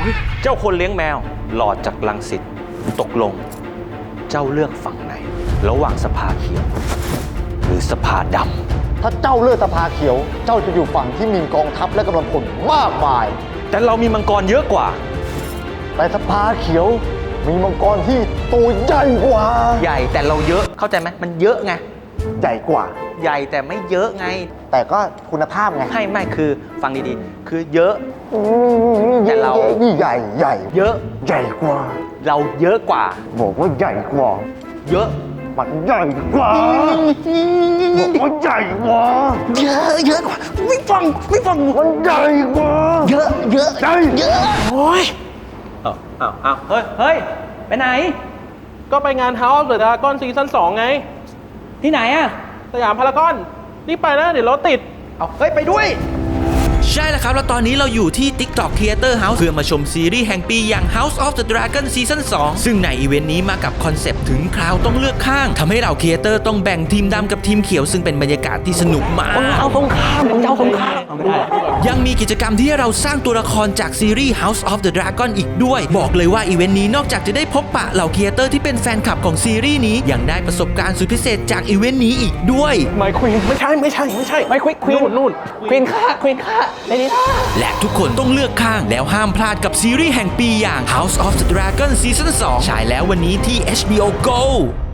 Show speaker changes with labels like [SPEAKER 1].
[SPEAKER 1] เจ้าคนเลี้ยงแมวหลอดจากรังสิตตกลง เจ้าเลือกฝั่งไหน ระหว่างสภาเขียว หรือสภาดำ
[SPEAKER 2] ถ้าเจ้าเลือกสภาเขียว เจ้าจะอยู่ฝั่งที่มีกองทัพและกำลังพลมากมาย
[SPEAKER 1] แต่เรามีมังกรเยอะกว่า
[SPEAKER 2] แต่สภาเขียวมีมังกรที่ตัวใหญ่กว่า
[SPEAKER 1] ใหญ่แต่เราเยอะเข้าใจไหมมันเยอะไง
[SPEAKER 2] ใหญ่กว่า
[SPEAKER 1] ใหญ่แต่ไม่เยอะไง
[SPEAKER 2] แต่ก็คุณภาพไง
[SPEAKER 1] ไม่คือฟังดีๆ คือเยอะ แต่เรา
[SPEAKER 2] นี่ใหญ่ใหญ่
[SPEAKER 1] เยอะ
[SPEAKER 2] ใหญ่กว่า
[SPEAKER 1] เราเยอะกว่า
[SPEAKER 2] บอกว่าใหญ่กว่า
[SPEAKER 1] เยอะ
[SPEAKER 2] มันใหญ่กว่าบอกว่าใหญ่กว่า
[SPEAKER 1] เยอะกว่าไม่ฟัง
[SPEAKER 2] มันใหญ่กว่า
[SPEAKER 1] เยอะ
[SPEAKER 2] ใหญ่
[SPEAKER 1] โอ้ยอ้าวเฮ้ยไปไหน
[SPEAKER 3] ก็ไปงาน House of the Dragon ซีซั่น2ไง
[SPEAKER 1] ที่ไหนอะ
[SPEAKER 3] สยามพารากอนรีบไปนะ เดี๋ยวรถติด
[SPEAKER 1] เอาเฮ้ยไปด้วย
[SPEAKER 4] ใช่แล้วครับ แล้วตอนนี้เราอยู่ที่ TikTok Theater House เพื่อมาชมซีรีส์แห่งปีอย่าง House of the Dragon ซีซั่น2ซึ่งในอีเวนต์นี้มากับคอนเซปต์ถึงคราวต้องเลือกข้างทำให้เราครีเอเตอร์ต้องแบ่งทีมดำกับทีมเขียวซึ่งเป็นบรรยากาศที่สนุกมากเอาสงครามยังมีกิจกรรมที่ให้เราสร้างตัวละครจากซีรีส์ House of the Dragon อีกด้วยบอกเลยว่าอีเวนต์นี้นอกจากจะได้พบปะเหล่าครีเอเตอร์ที่เป็นแฟนคลับของซีรีส์นี้ยังได้ประสบการณ์สุดพิเศษจากอีเวนต์นี้อีกด้วย
[SPEAKER 3] ไม่ควีนไม่ใช่ไม่ควีนนู่น
[SPEAKER 1] ควีนค่าในนี้
[SPEAKER 4] และทุกคนต้องเลือกข้างแล้วห้ามพลาดกับซีรีส์แห่งปีอย่าง House of the Dragon ซีซั่น2ฉายแล้ววันนี้ที่ HBO Go